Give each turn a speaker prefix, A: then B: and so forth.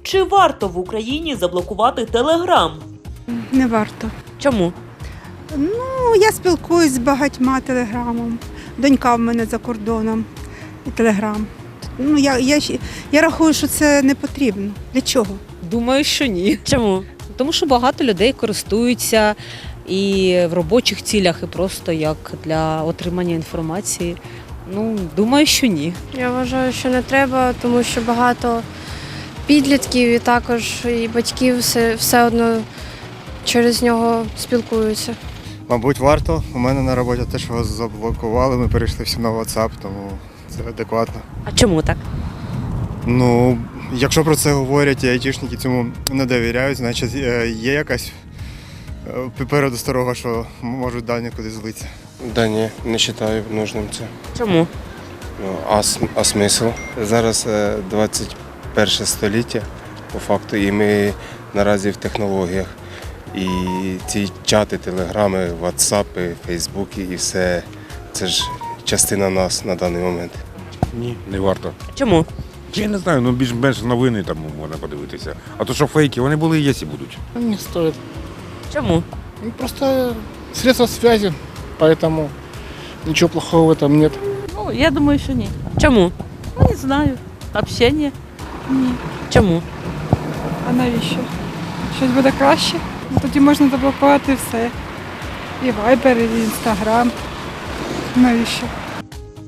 A: Чи варто в Україні заблокувати Телеграм?
B: Не варто.
A: Чому?
B: Ну, я спілкуюсь з багатьма телеграмом. Донька в мене за кордоном і телеграм. Ну, я рахую, що це не потрібно. Для чого?
C: Думаю, що ні.
A: Чому?
C: Тому що багато людей користуються і в робочих цілях, і просто як для отримання інформації. Ну, думаю, що ні.
D: Я вважаю, що не треба, тому що багато підлітків і також і батьків все одно через нього спілкуються.
E: Мабуть, варто. У мене на роботі теж його заблокували, ми перейшли всі на WhatsApp, тому це адекватно.
A: А чому так?
E: Ну, якщо про це говорять і айтішники цьому не довіряють, значить є якась передосторога, що можуть дані кудись злитися.
F: Да ні, не вважаю нужним це.
A: Чому?
F: Ну, а смисл? Зараз 21 століття, по факту, і ми наразі в технологіях. І ці чати, телеграми, ватсапи, фейсбуки і все, це ж частина нас на даний момент.
G: Ні, не варто.
A: Чому?
G: Я не знаю, ну більш-менш новини там можна подивитися. А то, що фейки, вони були і є, і будуть.
H: Не стоит.
A: Чому?
H: Ну, просто средства связи, поэтому ничего плохого в этом нет.
I: Ну, я думаю, що ні.
A: Чому?
I: Ну, не знаю. Общення? Ні.
A: Чому?
B: А навіщо? Щось буде краще? Ну, тоді можна заблокувати все. І Viber, і Instagram. Навіщо?